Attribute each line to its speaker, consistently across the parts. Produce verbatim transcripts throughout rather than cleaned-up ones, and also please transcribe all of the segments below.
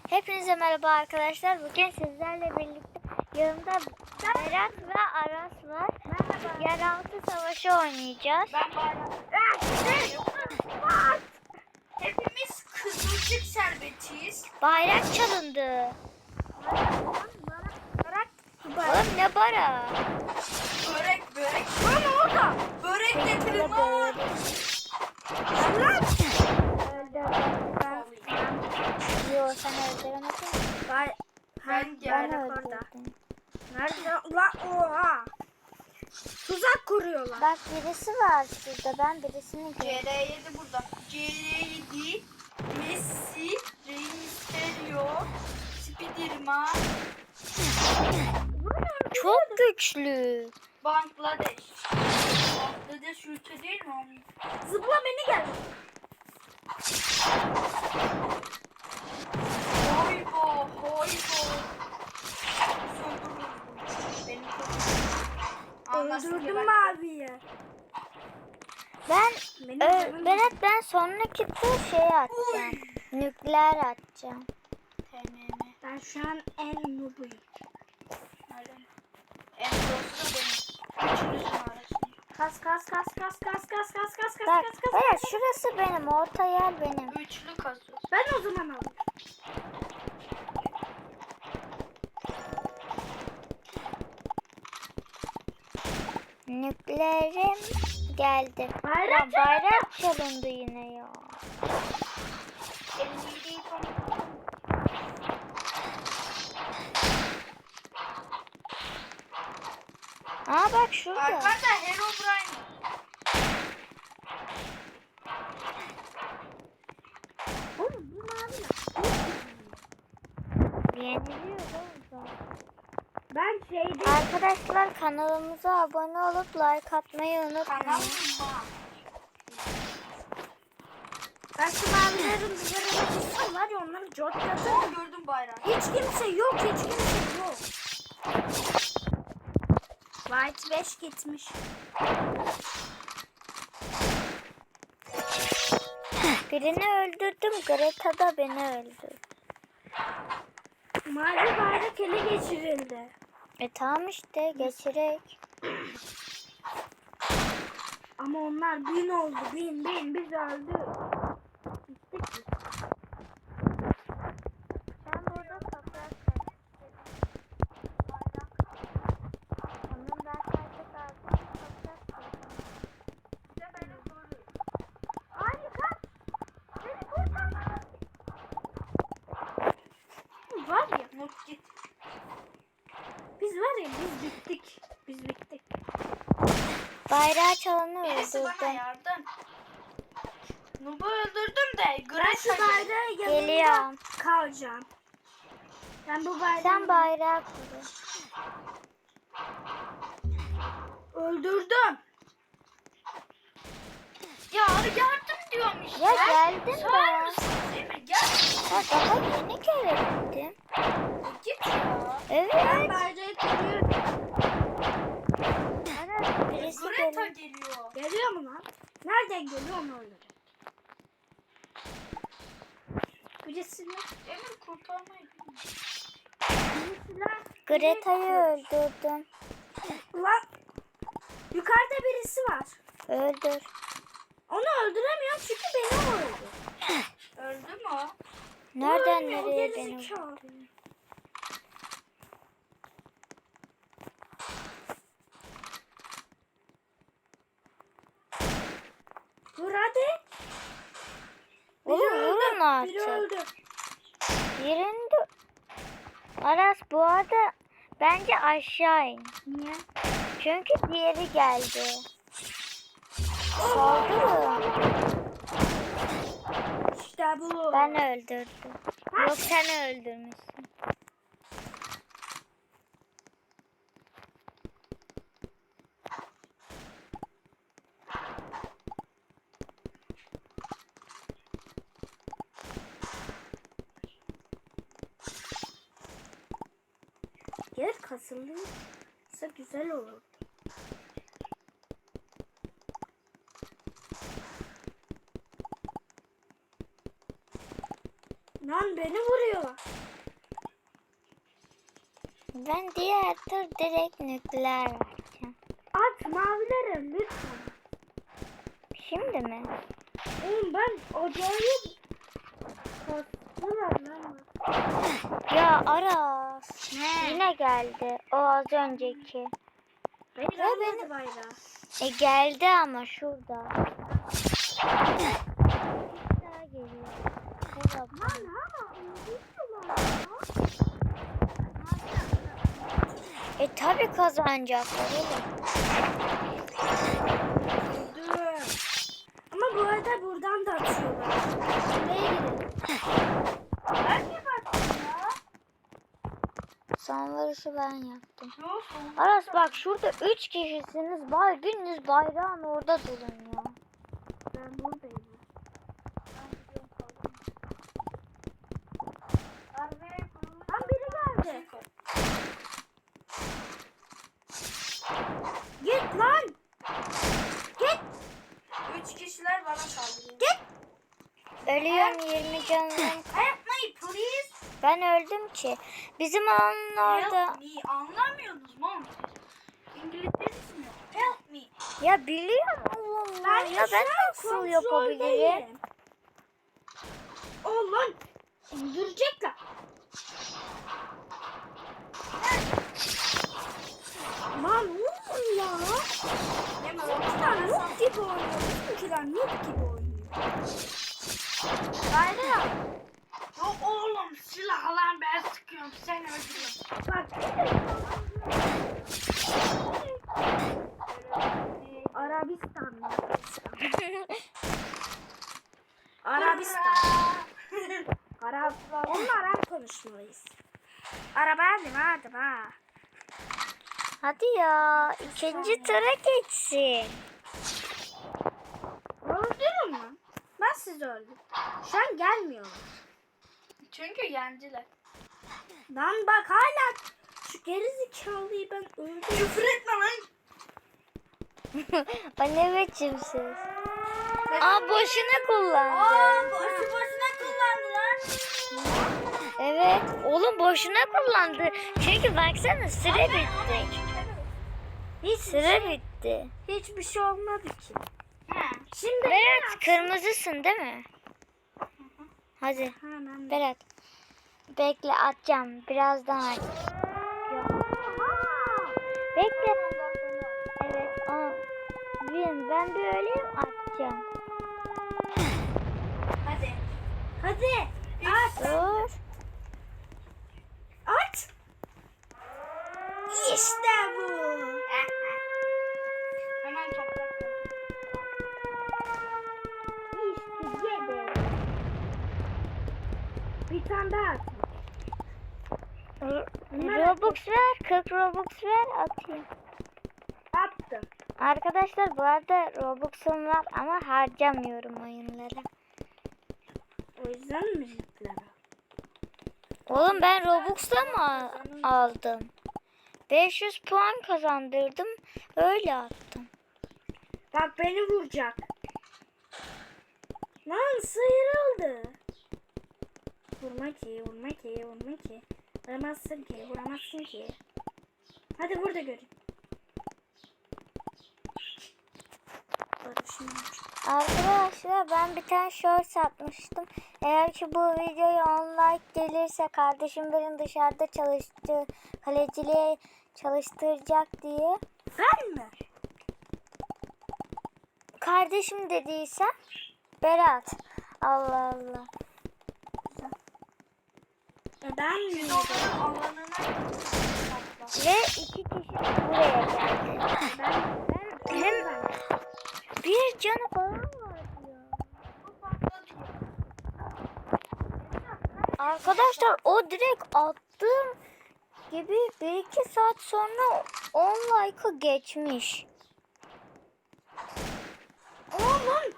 Speaker 1: Hepinize merhaba arkadaşlar. Bugün sizlerle birlikte yanımda Berat ve Aras var.
Speaker 2: Merhaba.
Speaker 1: Yeraltı savaşı oynayacağız.
Speaker 2: Ben Bayram. Hepimiz kızılcık şerbetiyiz.
Speaker 1: Bayrak çalındı. Oğlum ne bara?
Speaker 2: Börek börek. Lan orada. Börek getirin lan. Lan.
Speaker 1: Yok sen öldüremedin.
Speaker 2: Ben, ben
Speaker 1: Ben
Speaker 2: geldim orada.
Speaker 1: öldürdüm.
Speaker 2: Nerede? Lan oha. Tuzak kuruyorlar.
Speaker 1: Bak birisi var şurada. Ben birisini
Speaker 2: C
Speaker 1: gördüm.
Speaker 2: R yedi burada. C R yedi, Messi, Rey Mysterio, Spiderman,
Speaker 1: Çok güçlü.
Speaker 2: Bangladeş. Bangladeş ülke değil mi oğlum? Zıpla beni gel. Hoybo, hoybo. Öldürdüm maviyi.
Speaker 1: Ben
Speaker 2: Benim
Speaker 1: Ö,
Speaker 2: canım-
Speaker 1: Berat ben sonraki tur şey atacağım. Nükleer atacağım.
Speaker 2: T M M. Ben şu an en noobuyum. Nereden? En doğrusu da benim. Üçünüzün arasında. Kas kas kas kas kas kas kas kas kas
Speaker 1: Bak
Speaker 2: kas kas.
Speaker 1: Berat şurası benim. Orta yer benim.
Speaker 2: Üçlü kasıyoruz. Ben o zaman alayım.
Speaker 1: Nükleerim geldi.
Speaker 2: Bayrak
Speaker 1: Ya, bayrak çalındı yine ya.
Speaker 2: elli yedi
Speaker 1: Aa bak şurada.
Speaker 2: Arkada Herobrine. Oğlum bu mavi ne?
Speaker 1: Yeniliyor oğlum.
Speaker 2: Ben şeyde
Speaker 1: Arkadaşlar kanalımıza abone olup like atmayı unutmayın.
Speaker 2: kanal Ben şu mavilerin üzerine tutsam var ya onları cortladım. Gördüm bayrağı. Hiç kimse yok, hiç kimse yok. White beş gitmiş.
Speaker 1: Birini öldürdüm. Greta da beni öldürdü.
Speaker 2: Mavi bayrak ele geçirildi.
Speaker 1: E tamam işte geçirek.
Speaker 2: Ama onlar bin oldu, bin bin biz öldük. Bittik biz.
Speaker 1: Sen burada toprak Onun ben sadece lazım toprak
Speaker 2: İşte benim sorum. Hayır kaç. Beni kurtar. Var ya. Not git. Biz var ya biz bittik. Biz bittik.
Speaker 1: Bayrağı çalanı
Speaker 2: Birisi bana
Speaker 1: öldürdüm.
Speaker 2: yardım. Nub'u öldürdüm de
Speaker 1: Ben şu bayrağı Geliyorum.
Speaker 2: kalacağım. Ben bu bayrağı...
Speaker 1: Sen bayrağı kur.
Speaker 2: Öldürdüm. Ya yardım diyorum işte.
Speaker 1: Ya geldim
Speaker 2: Sağır
Speaker 1: ben.
Speaker 2: mısın değil mi? Gel.
Speaker 1: Ya daha yeni kere gittim.
Speaker 2: Git ya.
Speaker 1: Evet.
Speaker 2: Ben bayrağı kuruyorum.
Speaker 1: Ana birisi
Speaker 2: Greta
Speaker 1: geliyor.
Speaker 2: geliyor. Geliyor mu lan? Nereden geliyor onu öldürecek. Birisini Emir kurtarmayı bilmiyor.
Speaker 1: Greta'yı öldürdüm.
Speaker 2: Ulan yukarıda birisi var.
Speaker 1: Öldür.
Speaker 2: Onu öldüremiyorum çünkü beni o öldü. Öldü mü o?
Speaker 1: Nereden
Speaker 2: Ölmüyor,
Speaker 1: nereye
Speaker 2: o
Speaker 1: beni
Speaker 2: gerizekalı.
Speaker 1: vurdu?
Speaker 2: Vur hadi.
Speaker 1: Oğlum vurun
Speaker 2: Biri
Speaker 1: artık.
Speaker 2: öldü.
Speaker 1: Yerinde. Aras bu arada bence aşağı in.
Speaker 2: Niye?
Speaker 1: Çünkü diğeri geldi. Saldırın.
Speaker 2: İşte bu.
Speaker 1: Ben öldürdüm. Yok sen öldürmüşsün.
Speaker 2: Yer kasıldıysa güzel olur. Lan beni vuruyor.
Speaker 1: Ben diğer tur direkt nükleer vereceğim.
Speaker 2: At mavilere lütfen.
Speaker 1: Şimdi mi?
Speaker 2: Oğlum ben acayip kastılar lan.
Speaker 1: Ya Aras.
Speaker 2: Ne?
Speaker 1: Yine geldi. O az önceki.
Speaker 2: Hayır
Speaker 1: Ya
Speaker 2: almadı
Speaker 1: benim-
Speaker 2: bayrağı.
Speaker 1: E geldi ama şurada. Daha geliyor. Hadi bakalım.
Speaker 2: Lan ama unuttular ya.
Speaker 1: E tabi kazanacaklar oğlum.
Speaker 2: Dur. Ama bu arada buradan da atıyorlar. Nereye gidelim? Ben mi baktım ya?
Speaker 1: Son vuruşu ben yaptım.
Speaker 2: Yok.
Speaker 1: Aras bak şurada üç kişisiniz. Bay biriniz bayrağın orada durun ya.
Speaker 2: Ben buradayım. Lan biri geldi. Git lan. Git. Üç kişiler bana saldırıyor. Git.
Speaker 1: Ölüyorum yirmi canım.
Speaker 2: Help me please.
Speaker 1: Ben öldüm ki. Bizim alanın orada.
Speaker 2: Help me. Anlamıyorsunuz mu oğlum siz? İngilizceniz mi? Help me.
Speaker 1: Ya biliyorum oğlum ya. Ya ben nasıl yapabilirim?
Speaker 2: Oh lan. İndirecekler. Lan oğlum ya. Bizimkiler noob gibi oynuyor. Bizimkiler noob gibi oynuyor. Bayram. Yok oğlum silah lan ben sıkıyorum. Sen öldürüyorsun. Bak. Arabistan. Arabistan. Arap. Onunla Arap konuşmalıyız. Araba hadi hadi ha.
Speaker 1: Hadi ya. ikinci tura geçsin.
Speaker 2: Öldürün mü? Ben sizi öldüm. Şu an gelmiyorlar. Çünkü yendiler. Lan bak hala şu gerizekalıyı ben öldüm. Küfür etme lan.
Speaker 1: O ne biçimsiz. Aa boşuna kullandı.
Speaker 2: Aa boşu boşuna kullandılar.
Speaker 1: Evet. Oğlum boşuna kullandı. Çünkü baksana süre bitti.
Speaker 2: Hiç
Speaker 1: Süre bitti.
Speaker 2: hiçbir şey olmadı ki. Şimdi
Speaker 1: Berat kırmızısın değil mi? Hadi
Speaker 2: hemen.
Speaker 1: Berat. Bekle atacağım. Birazdan at. Bekle. Evet. Aa, ben, ben bir öleyim atacağım.
Speaker 2: Hadi. Hadi. At.
Speaker 1: Dur.
Speaker 2: At. İşte bu. Hemen toprak. İşte yedi. Bir tane daha at.
Speaker 1: Robux ver. kırk Robux ver atayım.
Speaker 2: Attım.
Speaker 1: Arkadaşlar bu arada Robux'um var ama harcamıyorum oyunlara.
Speaker 2: O yüzden mi yükleme?
Speaker 1: Oğlum ben Robux'la mı aldım? beş yüz puan kazandırdım. Öyle attım.
Speaker 2: Bak beni vuracak. Lan sıyrıldı. Vurma ki, vurma ki, vurma ki. Vuramazsın ki, vuramazsın ki. Hadi vur da göreyim. Barışım.
Speaker 1: Arkadaşlar ben bir tane short atmıştım. Eğer ki bu videoya on like gelirse kardeşim beni dışarıda çalıştı, kaleciliğe çalıştıracak diye.
Speaker 2: Ben mi?
Speaker 1: Kardeşim dediyse Berat. Allah Allah.
Speaker 2: E ben mi?
Speaker 1: Ve iki kişi buraya geldi.
Speaker 2: Ben,
Speaker 1: Ben hem bir canı falan var ya. Arkadaşlar o direkt attığım gibi bir iki saat sonra on like'ı geçmiş.
Speaker 2: Oğlum.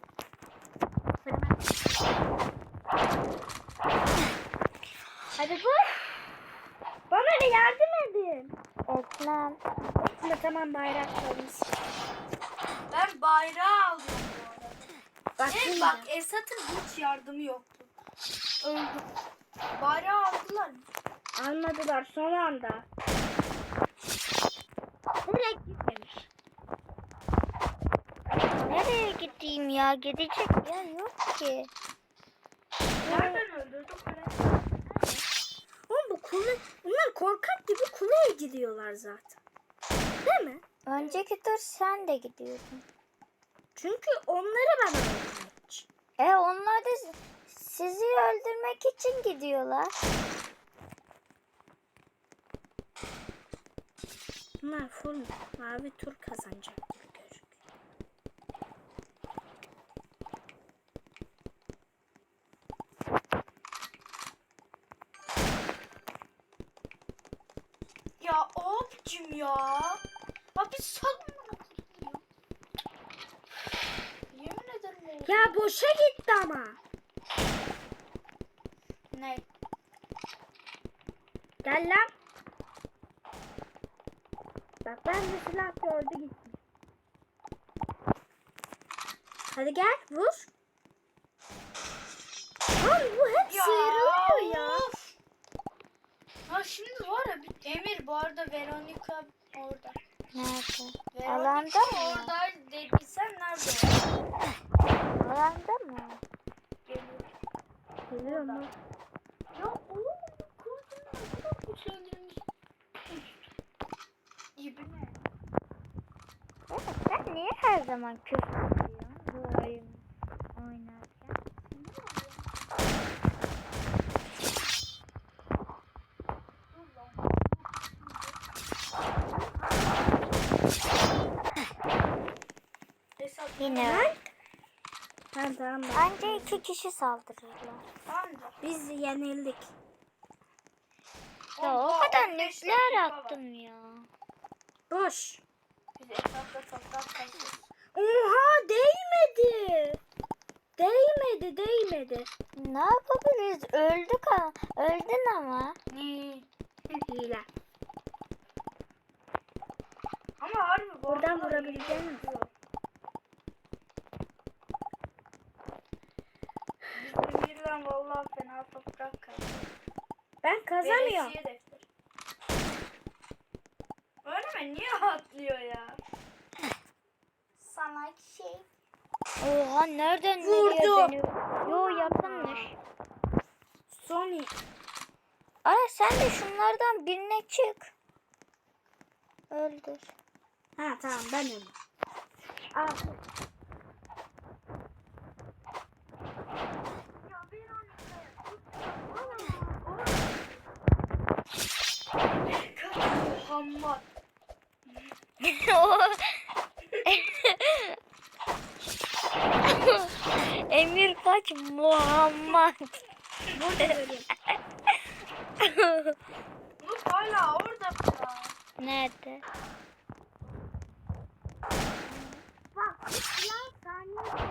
Speaker 2: Hadi vur. Bana da yardım edin.
Speaker 1: Etmem.
Speaker 2: Ama tamam bayraklarımız. Ben bayrağı aldım bu arada. Bak, evet, bak Esat'ın hiç yardımı yoktu. Öldü. Bayrağı aldılar mı? Almadılar son anda. Nereye gitmemiş?
Speaker 1: Nereye gideyim ya? Gidecek yer yok ki.
Speaker 2: Nereden öldürdü kule? Oğlum bu kule, bunlar korkak gibi kuleye gidiyorlar zaten. Değil mi?
Speaker 1: Önceki tur sen de gidiyordun.
Speaker 2: Çünkü onları ben öldürmek için.
Speaker 1: E onlar da s- sizi öldürmek için gidiyorlar.
Speaker 2: Bunlar full mavi tur kazanacak gibi gözüküyor.
Speaker 3: Ya abicim ya. Abi salma. Yemin ederim oldu.
Speaker 2: Ya boşa gitti ama.
Speaker 3: Ne?
Speaker 2: Gel lan. Bak ben de silah gördü gitti. Hadi gel vur. Lan bu hep sıyrılıyor ya.
Speaker 3: of. Ha şimdi var ya bir Emir bu arada Veronica orada.
Speaker 1: Nerede?
Speaker 3: Veronica
Speaker 1: Alanda mı ya?
Speaker 3: orada dediysen nerede?
Speaker 1: Alanda mı?
Speaker 3: Geliyor.
Speaker 2: Geliyor mu?
Speaker 3: Ya oğlum bu kurdun ne kadar güçlendirilmiş. Gibi ne?
Speaker 1: Evet, sen niye her zaman küfür ediyorsun bu oyun oynarken?
Speaker 3: Hesap
Speaker 1: Yine öyle.
Speaker 2: Tamam tamam. bak.
Speaker 1: Anca iki kişi saldırırlar.
Speaker 3: anca.
Speaker 2: Biz yenildik.
Speaker 1: Ya o
Speaker 3: Oha,
Speaker 1: kadar
Speaker 3: on beş
Speaker 1: nükleer
Speaker 3: dakika var.
Speaker 1: attım ya.
Speaker 2: Boş.
Speaker 3: Biz etrafta toprak kazıyoruz.
Speaker 2: Oha değmedi. Değmedi değmedi.
Speaker 1: Ne yapabiliriz? Öldük ha. Öldün ama.
Speaker 3: Ne?
Speaker 2: Hile.
Speaker 3: Ama harbi bu
Speaker 2: Buradan
Speaker 3: arada
Speaker 2: vurabileceğin
Speaker 3: iyi
Speaker 2: misin?
Speaker 3: yapıyor. Biz Emir'le vallahi fena toprak kazıyoruz.
Speaker 2: Ben kazanıyorum.
Speaker 3: Veresiye defter. Öyle mi? Niye atlıyor ya? Sana şey.
Speaker 1: Oha nereden nereye
Speaker 2: Vurdu.
Speaker 1: dönüyor? Yo yakınmış.
Speaker 2: Sony.
Speaker 1: Ara sen de şunlardan birine çık. Öldür.
Speaker 2: Ha tamam ben öyle. Al.
Speaker 3: Muhammed.
Speaker 1: Emir kaç Muhammed.
Speaker 2: Burada göreyim.
Speaker 3: Umut hala orada ya.
Speaker 1: Nerede?
Speaker 2: Bak lan saniye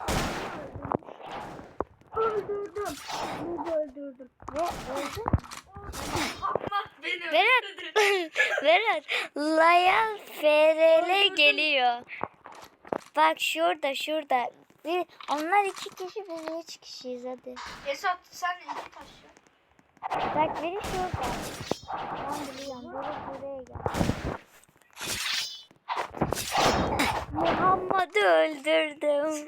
Speaker 2: öldürdüm. Bunu öldürdüm.
Speaker 1: Ve öldü.
Speaker 3: Muhammed beni
Speaker 1: Berat.
Speaker 3: öldürdü.
Speaker 1: Berat. Layan F R L geliyor. Bak şurada şurada. Bir, onlar iki kişi biz üç kişiyiz hadi.
Speaker 3: Esat sen iki taş ya.
Speaker 1: Bak biri şurada. Ben biliyorum. Biri buraya gel. Muhammed'i öldürdüm.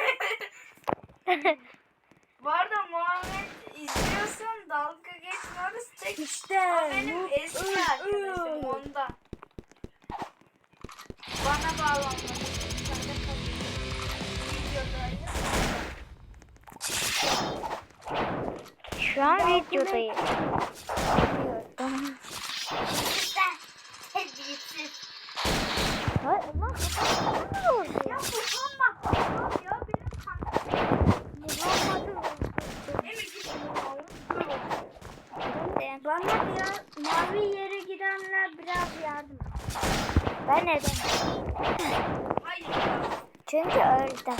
Speaker 3: Bu arada Muhammed izliyorsan dalga geçmiyoruz. Tek
Speaker 2: İşte.
Speaker 3: o benim eski arkadaşım ondan. Bana bağlanmadı. Sen de kalıyorsun. Videodayız.
Speaker 1: Şu an videodayım. Biliyordum.
Speaker 3: Sen hediyesiz.
Speaker 1: Hayır ulan ne oldu?
Speaker 3: Ya Muhammed ya benim kankam.
Speaker 1: Muhammed'i öldürdüm.
Speaker 3: Emir git bunu alın.
Speaker 2: Bana biraz mavi yere gidenler biraz yardım.
Speaker 1: Ben neden?
Speaker 3: Hayır ya.
Speaker 1: Çünkü öldüm.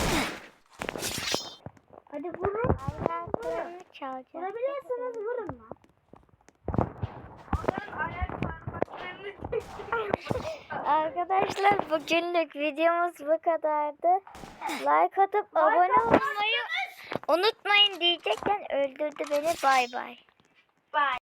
Speaker 2: Hadi vurun.
Speaker 1: Ayaklarını çalacağım.
Speaker 2: Vurabilirsiniz vurun lan.
Speaker 3: Onların ayak parmaklarını
Speaker 1: Arkadaşlar bugünlük videomuz bu kadardı. Like atıp abone olmayı unutmayın diyecekken öldürdü beni. Bay bay.
Speaker 3: Bye.